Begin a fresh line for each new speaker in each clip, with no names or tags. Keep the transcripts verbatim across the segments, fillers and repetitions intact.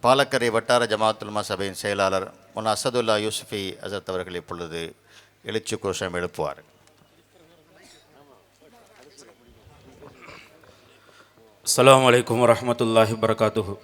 பாலக்கரை வட்டார ஜமாத்துல் உலமா சபையின் செயலாளர் முன் அசதுல்லா யூசுஃபி அசத் அவர்கள் இப்பொழுது எழுச்சி கோஷம் எழுப்புவார்.
அஸ்ஸலாமு அலைக்கும் வரஹ்மத்துல்லாஹி வபரகாத்துஹு.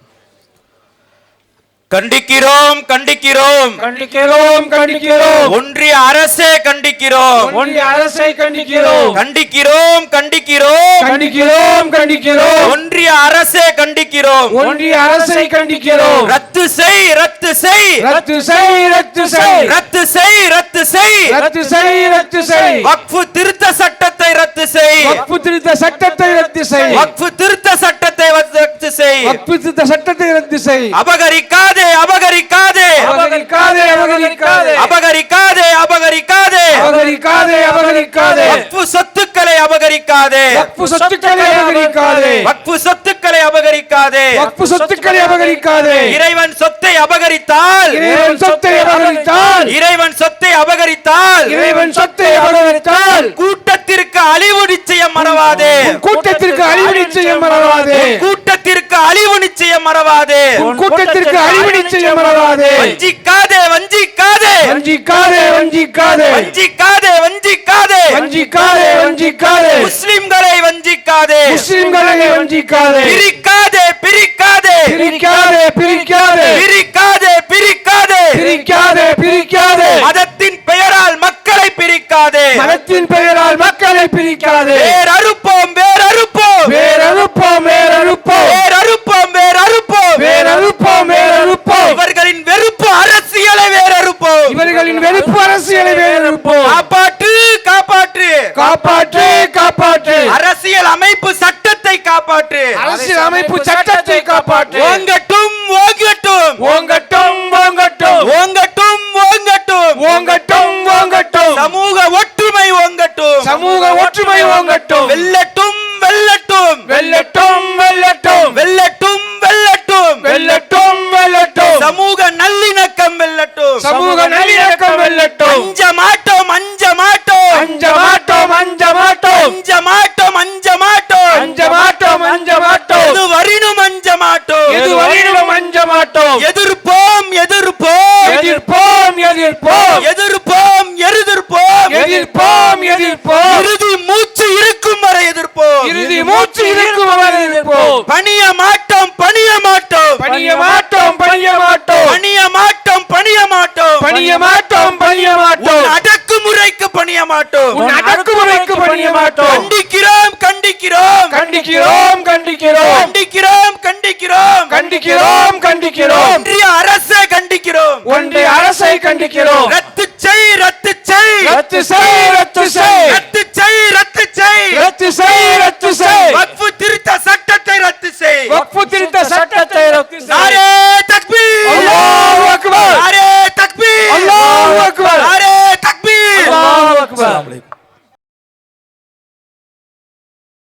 கண்டிக்கிறோம் கண்டிக்கிறோம்
கண்டிக்கிறோம் கண்டிக்கிறோம்
ஒன்றிய அரசே கண்டிக்கிறோம்
ஒன்றிய அரசை கண்டிக்கிறோம்
கண்டிக்கிறோம் கண்டிக்கிறோம்
கண்டிக்கிறோம் கண்டிக்கிறோம்
ஒன்றிய அரசே கண்டிக்கிறோம்
ஒன்றிய அரசை கண்டிக்கிறோம்.
ரத்து செய் ரத்து செய்
ரத்து செய் ரத்து செய்
ரத்து செய் ரத்து செய்
ரத்து செய் ரத்து செய்
வக்ஃபு திருத்த சட்டத்தை ரத்து செய்
வக்ஃபு திருத்த சட்டத்தை ரத்து செய்
வக்ஃபு திருத்த சட்டத்தை ரத்து செய்
வக்ஃபு திருத்த சட்டத்தை ரத்து செய்.
அபகரிக்காதே அபகரிக்காதே
அபகரிக்காதே அபகரிக்காதே
அபகரிக்காதே அபகரிக்காதே
அபகரிக்காதே அபகரிக்காதே
வக்ஃபு சொத்துக்களை அபகரிக்காதே
வக்ஃபு சொத்துக்களை அபகரிக்காதே
வக்ஃபு சொத்துக்களை அபகரிக்காதே
வக்ஃபு சொத்துக்களை அபகரிக்காதே.
இறைவன் சொத்தை அபகரித்தால்
இறைவன் சொத்தை அபகரித்தால்
இறைவன் சொத்தை அபகரித்தால்
இறைவன் சொத்தை அபகரித்தால்
கூட்டத்திற்கு அழிவு நிச்சயம் மறவாதே
கூட்டத்திற்கு அழிவு நிச்சயம் மறவாதே
கூட்டத்திற்கு அழிவு நிச்சயம் மறவாதே
கூட்டத்திற்கு அழிவு நிச்சயம் மறவாதே.
வஞ்சிக்காதே வஞ்சிக்காதே
வஞ்சிக்காதே வஞ்சிக்காதே
வஞ்சிக்காதே வஞ்சிக்காதே
வஞ்சிக்காதே வஞ்சிக்காதே
முஸ்லிம்களை வஞ்சிக்காதே
முஸ்லிம்களை வஞ்சிக்காதே.
பிரிக்காதே பிரிக்காதே
பிரிக்காதே பிரிக்காதே
பிரிக்காதே பிரிக்காதே
பிரிக்காதே பிரிக்காதே
மதத்தின் பெயரால் மக்களை பிரிக்காதே
மதத்தின் பெயரால் மக்களை பிரிக்காதே.
வேறறுப்போம் வேறறுப்போம்
வேறறுப்போம் வேறறுப்போம்
வேறறுப்போம் வேறறுப்போம்
வேறறுப்போம் வேறறுப்போம்
இவர்களின் வெறுப்பு அரசியலை வேறறுப்போம்
இவர்களின் வெறுப்பு அரசியலை வேறறுப்போம்.
காப்பாற்று காப்பாற்று
காப்பாற்று காப்பாற்று
அரசியல் அமைப்பு சட்டத்தை காப்பாற்று
அரசியல் அமைப்பு சட்டத்தை காப்பாற்று.
ஓங்கட்டும் ஓங்கட்டும்
ஓங்கட்டும் ஓங்கட்டும்
ஓங்கட்டும் ஓங்கட்டும்
ஓங்கட்டும் ஓங்கட்டும்
சமூக ஒற்றுமை ஓங்கட்டும்
சமூக ஒற்றுமை ஓங்கட்டும்.
வெல்லட்டும் வெல்லட்டும்
வெல்லட்டும் வெல்லட்டும்
வெல்லட்டும் வெல்லட்டும்
வெல்லட்டும் வெல்லட்டும்
சமூக நல்லிணக்கம் வெல்லட்டும்
சமூக நல்லிணக்கம் வெல்லட்டும்.
அஞ்ச மாட்டோம் அஞ்ச மாட்டோம்
அஞ்ச மாட்டோம் அஞ்ச மாட்டோம்
அஞ்ச மாட்டோம் அஞ்ச மாட்டோம்
அஞ்ச மாட்டோம் அஞ்ச மாட்டோம்
எது வரினும் அஞ்ச மாட்டோம்
எது வரையிலும் அஞ்ச மாட்டோம்.
எதிர்ப்போம் எதிர்ப்போம்
எதிர்ப்போம் எதிர்ப்போம்
எதிர்ப்போம் எதிர்ப்போம்
எதிர்ப்போம் எதிர்ப்போம்
இறுதி மூச்சு இருக்கும் வரை எதிர்ப்போம்
இறுதி மூச்சு இருக்கும் வரை எதிர்ப்போம்.
பணிய மாட்டோம் பணிய மாட்டோம்
பணிய மாட்டோம் பணிய மாட்டோம்
பணிய மாட்டோம் பணிய மாட்டோம்
பணிய மாட்டோம் பணிய மாட்டோம்.
உன் அடக்குமுறைக்கு பணிய மாட்டோம்
உன் அடக்குமுறைக்கு பணிய மாட்டோம்.
கண்டிக்கிறோம் கண்டிக்கிறோம்
கண்டிக்கிறோம் கண்டிக்கிறோம்
கண்டிக்கிறோம் கண்டிக்கிறோம்
கண்டிக்கிறோம் கண்டிக்கிறோம்.
ஒன்றிய அரசை கண்டிக்கிறோம்
ஒன்றிய அரசை கண்டிக்கிறோம்.
ரத்து செய் ரத்து செய்
ரத்து செய் ரத்து செய்
ரத்து